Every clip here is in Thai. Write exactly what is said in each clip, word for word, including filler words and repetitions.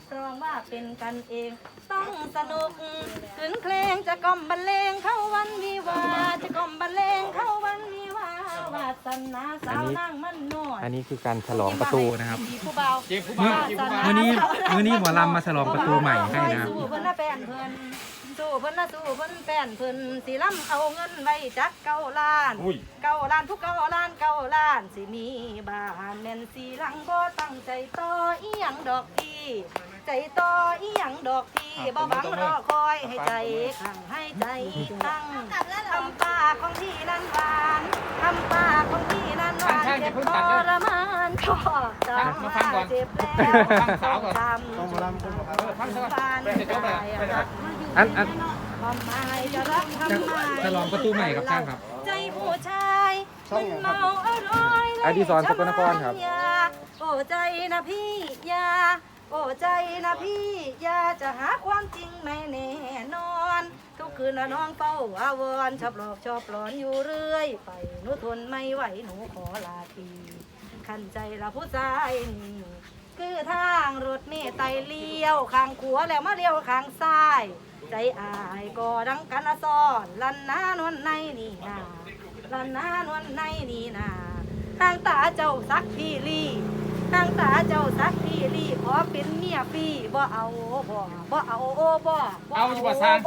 ร้องว่าเป็นกันเองต้องสนุกขืนเพลงจะกล่อมบรรเลงเข้าวันวิวาจะกล่อมบรรเลงเข้าวันวิวาวาสนาสาวนั่งมันนวดอันนี้คือการฉลองประตูนะครับผู้เบาเจ๊ผู้เมื่อบ่าวเจ๊ผู้บ่าวเมื่อนี้เมื่อนี้หมอลำมาฉลองประตูใหม่ให้นะครับสู้เพิ่นละแป้นเพิ่นสู้เพิ่นละสู้เพิ่นแป้นเพิ่นสิล้ำเอาเงินไว้จักเก้าล้านอุ้ยเก้าล้านทุกเก้าล้านเก้าล้านสิมีบ้านแม่นสีหลังบ่ตั้งใจต่ออีหยังดอกพี่ใจต่ออีหยังดอกพี่บ่หวังรอคอยให้ใจขังให้ใจตั้งทำปากของพี่นั้นหวานทำปากของพี่นั้นหวานเจ็บทรมานชอบจำว่าเจ็บแล้วทำต้องรำต้องรำอันอันความหมายจะรักทำไมฉลองประตูใหม่ครับช่างครับใจผู้ชายมันเมาอร่อยอดิศรสกลนครครับโอ้ใจนะพี่ยาโอ้ใจนะพี่ยาจะหาความจริงไม่แน่นอน ทุกคืนละน้องเฝ้าอาวรชอบหลอกชอบหลอนอยู่เรื่อยไปหนูทนไม่ไหวหนูขอลาทีขันใจละผู้ชายนี่คือทางรถเมล์ไตเลี้ยวข้างขวาแล้วมาเลี้ยวข้างซ้าย ใจอายก็ดังกันละซ้อนลันนานวลในนี่นาลันนานวลในนี่นาทางตาเจ้าสักพี่ลีทางตาเจ้าสักพี่ลีขอเป็นเมียพี่บ่เอาบ่บ่เอาโอ้บ่เอาอยู่บ่สร้าง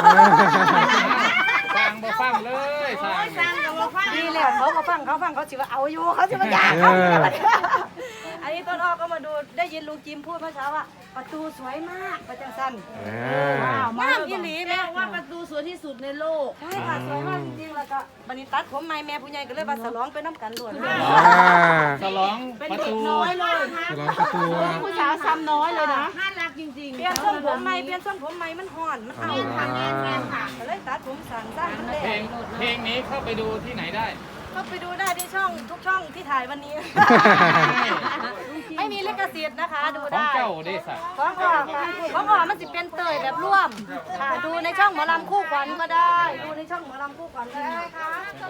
สร้างบ่ฟังเลยสร้างสร้างกับบ่ฟังนี่แหละเขาเขาฟังเขาฟังเขาสิว่าเอาอยู่เขาสิว่าอยากเขาอันนี้ต้นอ้อก็มาดูได้ยินลุงจิมพูดเมื่อเช้าว่าประตูสวยมากประจังสันอ่าน้ำอีหลีแม่ว่าประตูสวยที่สุดในโลกใช่ค่ะสวยมากจริงๆแล้วก็บันนี้ตัดผมใหม่แม่ผู้ใหญ่ก็เลยมาฉลองไปน้ำกันด่วนอ่าฉลองประตูน้อยเลยนะฉลองประตูผู้สาวซ้ำน้อยเลยนะน่ารักจริงๆเปลี่ยนทรงผมใหม่เปลี่ยนทรงผมใหม่มันห่อนมันเอาค่ะแม่แม่ค่ะก็เลยตัดผมสั้นสั้นมันเพลเด็งเพลงนี้เข้าไปดูที่ไหนได้ก็ไปดูได้ที่ช่องทุกช่องที่ถ่ายวันนี้ ไม่มีลิขสิทธิ์นะคะดูของได้เจ้าเดซ่ะของออกค่ะของออกมันสิเป็นเตยแบบร่วมค่ะดูในช่องหมอลำคู่ขวัญก็ได้ ดูในช่องหมอลำคู่ขวัญก็ได้ค่ะ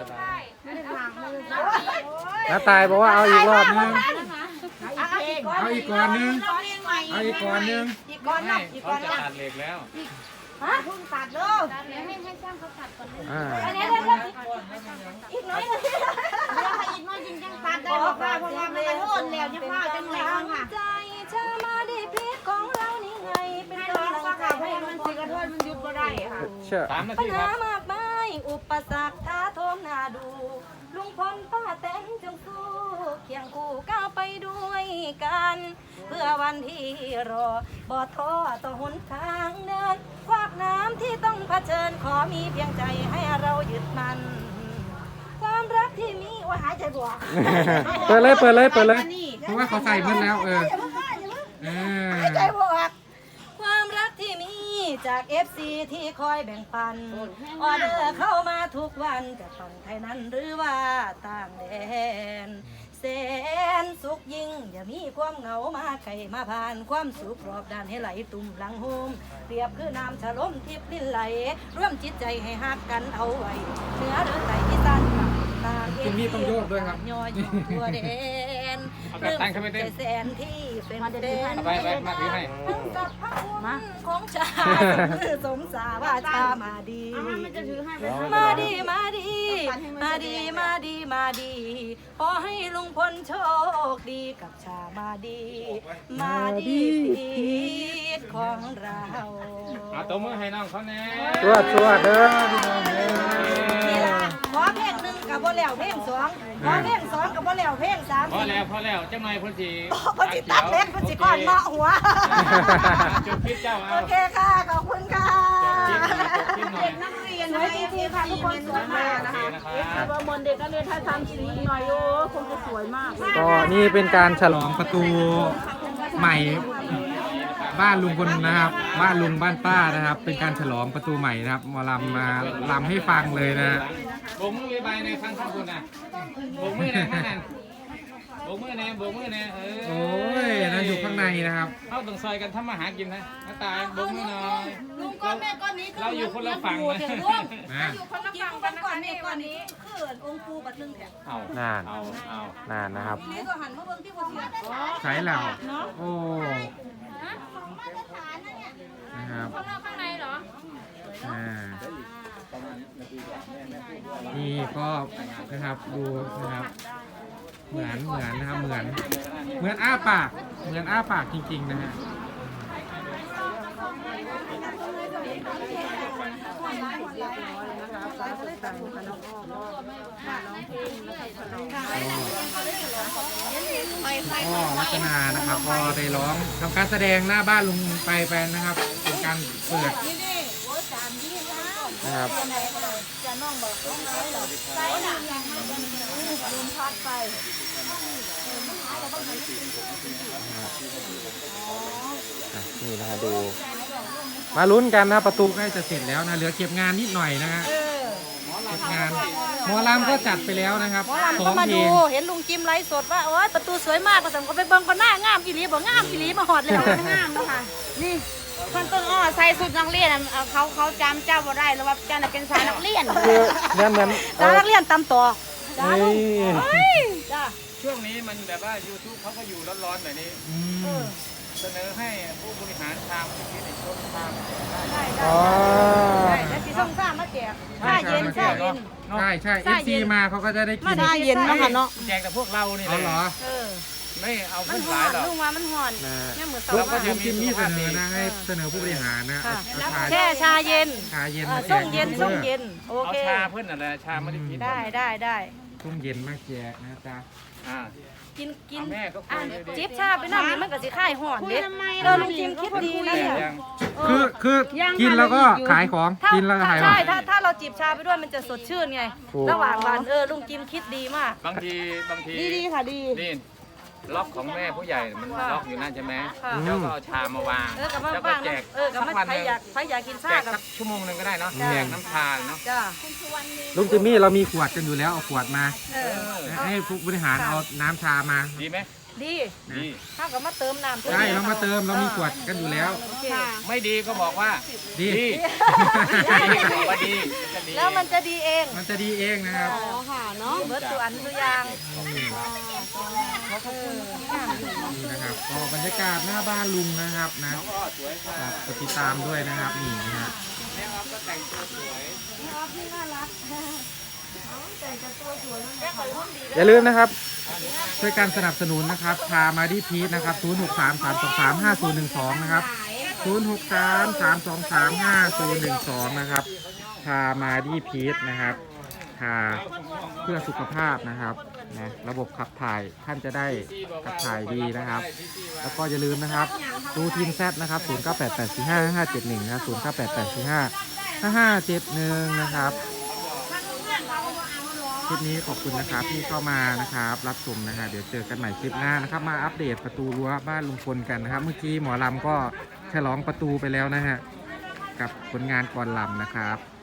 น้าตายบอกว่าเอาอีกรอบนึงอ่ะอีกก้อนเอาอีกก่อนนึง เอาอีกก่อนนึงอีกก้อนไม่นะอีกเขาก้อนจะนะตัดเหล็กแล้วฮะพุ่งตัดเลยอ่าอันนี้เดี๋ยวเดี๋ยวอีกน้อยหนึงอีกน้อยจริงจังตัดได้บอกว่าเพราะว่ามันกระโดดแล้วจะพาจังแล้วค่ะใจเธอมาได้พลิกของเรานี่ไงเป็นให้กำร้องลังว่าใจค่ะเพลให้งมัมัน นสิสิกกระระโดโดดดมัมัน นหยุยุดดบ่บ่ได้ได้ค่ะเชื่อสามนาปัญทีคหารับมากมายอุปสรรคท้าโทมหน้าดู ลุงพลป้าแตนจงสู้เคียงคู่ก้าวไปด้วยกัน เพื่อวันที่รอบ่ท้อต่อหนทางเดินควักน้ำที่ต้องเผชิญขอมีเพียงใจให้เรายึดมัน ความรักที่มีว่าหายใจบวกเปิดเลยเปิดเลยเปิดเลยเพราะว่าเขาใส่เมื่อแล้วเออเออหายใจบวกความรักที่มีจาก เอฟ ซี ที่คอยแบ่งปัน ออเดอร์เข้ามาทุกวันจะต้องไทยนั้นหรือว่าต่างแดนแสนสุขยิ่ง อย่ามีความเหงามาไข่มาผ่านความสุขรอบด้านให้ไหลตุ่มหลังโฮมเปรียบคือน้ำฉลมทิพย์ลิ้นไหล ร่วมจิตใจให้หักกันเอาไว้เหนือหรือใต้ที่ตันต่างเอตรงนี้ต้องโยกด้วยครับย่อยตัวแดนเอาแบบตั้งขึ้นไปเต้นใจแสนที่เป็นแดนเอาไปไปมาถือให้ทั้งกับพระคุณของชาติสมสาว่าชามาดีมันจะถือให้ไปมาดีมาดี มาดีมาดีมาดี ขอให้ลุงพลโชคดีกับชามาดี มาดีพีชของเราเอาตัวมือให้น้องเขาแน่สวดสวดเด้อพี่น้องเด้อนี่ล่ะขอเพลงหนึ่งกับบ่แล้วเพลงสองขอเพลงสองกับบ่แล้วเพลงสามพอแล้วพอแล้วจังหน่อยเพ่นสีเพนสิตัดเล็บเพนสิก้อนเนาะหัวจุดพิษเจ้าโอเอาเคค่ะ ขอบคุณค่ะพิษหน่อยนักเรียนให้ทีค่ะทุกคนสวยมากนะคะนะครับว่ามนเด็กนักเรียนถ้าทำสีหน่อยโอ้คงจะสวยมากก็นี่เป็นการฉลองประตูใหม่บ้านลุงพลนะครับ บ้านลุงบ้านป้านะครับ เป็นการฉลองประตูใหม่นะครับหมอลำมาลำให้ฟังเลยนะโบกมือใบในข้างข้างคุณน่ะโบกมือในข้างนั้นโบกมือในโบกมือในเออโอ้ยนั่นอยู่ข้างในนะครับเข้าตรงซอยกันทำมาหากินนะน้าตายโบกมือหน่อยลุงก้อนแม่ก้อนนี้เราอยู่คนละฝั่งนะนะอยู่คนละกินฝั่งก่กัอนนก่นะอนคะนี่นี่ก่ก่ออน นนี้นี้คือองค์ปูบัดนึงแถมเอานานเอาเอานานนะครับนี่ก็หันมาเบิ่งที่คนเสียใช้แล้วโอ้นี่ก็นะครับดูนะครับเหมือนเหมือนนะครับเหมือนเหมือนอ้าปากเหมือนอ้าปากจริงๆนะฮะก็ลักษณะนะครับก็ได้ร้องทำการแสดงหน้าบ้านลุงไปไปนะครับเป็นการเปิดนะครับอ่ะนี่นะฮะดูมาลุ้นกันนะประตูใกล้จะเสร็จแล้วนะเหลือเก็บงานนิดหน่อยนะฮะเก็บงานหมอลำก็จัดไปแล้วนะครับหมอลำสอก็งมาเพลดูงเห็นลุงจิมไลฟ์สดว่าโอ๊ยประตูสวยมากก็สั่งก็ไปเบิ่งก็หน้างามอีหลีบอกงามอีหลีมาหอดแล้วงามนะคะนี่คนต้นอ้อใส่สุดนักเรียนอ่ะเอาเขาเขาจำเจ้าบ่ได้แล้วว่าเจ้าน่ะเป็นสายนักเรียนคือเหมือนเหมือนสาวนักเรียนตำต่อนี่จ้าช่วงนี้มันแบบว่า YouTube เขาก็อยู่ร้อนๆแบบนี้อืมเสนอให้ผู้บริหารทางที่ในชนทางได้ได้อ๋อได้แล้วสีส้มซ่ามาแจกชาเย็นชาเย็นใช่ใช่เอฟซีมาเขาก็จะได้กินมาได้เย็นเนาะค่ะเนาะแจกแต่พวกเรานี่เอาแหเหรละอเออไม่เอามัขึ้นนห่อสายนหรอกลุงว่ามันห่อนนะเนี่ยเหมือนลุสาง วก็จิมมี่เสนอนะให้เสนอผู้บริหารนะค่ะเอาชาแช่ชาเย็นชาเย็นเออมาแจส้กมเย็นส้มเย็นโอเอาเคชาเพื่อนอะไรชาไม่ได้กินได้ได้ได้ส้มเย็นมาแจกนะจ๊ะอ่ากินกินเอาแม่ก็คุยอ่ะเลยดิจิบชาไปน้ำนี่มันก็สิค่ายห่อนคุยเด็ดทำไมเออลุงจิมคิดดีนะแต่เนี่ยยังเอคืออคือกินแล้วก็ขายของถ้ากินแล้วก็ขายขอใช่งถ้าถ้าเราจิบชาไปด้วยมันจะสดชื่นไงถูกระหว่างวันเออลุงจิมคิดดีมากบางทีบางทีดีดีค่ะดีนี่ล็อกของแม่ผู้ใหญ่มันล็อกอยู่นั่นใช่ไหมค่ะเจ้าก็เอาชามาวางเออกับมาแล้วก็บ้างแจกเออกับสัมากวันใคหรนึ่งอยากใครอยากกินแจชาก กับสักชั่วโมงหนึ่งก็ได้เนาะจ้ะแจกน้ำชาเนาะจ้าลุงจิมมี่เรามีขวดกันอยู่แล้วเอาขวดมาเออเอาให้ผู้บริหารเอาน้ำชามาดีไหมดีดีถ้ากับมาเติมน้ำใช่เรามาเติมเรามีขวดกันอยู่แล้วโอเคค่ะไม่ดีก็บอกว่าดีดีดีบอกว่าดีจะดีแล้วมันจะดีเองมันจะดีเองนะครับอ๋อค่ะเนาะเบิร์ตตัวอันตัวอยางนี่นะครับก็บรรยากาศหน้าบ้านลุงนะครับนะฝากติดตามด้วยนะครับนี่นะฮะอย่าลืมนะครับช่วยการสนับสนุนนะครับพามาดีพีทนะครับศูนย์ หก สาม สาม สอง สาม ห้า ศูนย์ หนึ่ง สองนะครับศูนย์ หก สาม สาม สอง สาม ห้า ศูนย์ หนึ่ง สองนะครับพามาดีพีทนะครับทาเพื่อสุขภาพนะครับนะระบบขับถ่ายท่านจะได้ขับถ่ายดีนะครับ แล้วก็อย่าลืมนะครับดูทีมแซดนะครับศูนย์ เก้า แปด แปด สี่ ห้า ห้า เจ็ด หนึ่งนะศูนย์ เก้า แปด แปด สี่ ห้า ห้า ห้า เจ็ด หนึ่งนะครับคลิปนี้ขอบคุณนะครับที่เข้ามานะครับรับชมนะฮะเดี๋ยวเจอกันใหม่คลิปหน้านะครับมาอัปเดตประตูรั้วบ้านลุงพลกันนะครับเมื่อกี้หมอลำก็ฉลองประตูไปแล้วนะฮะกับผลงานก่อนลำนะครับ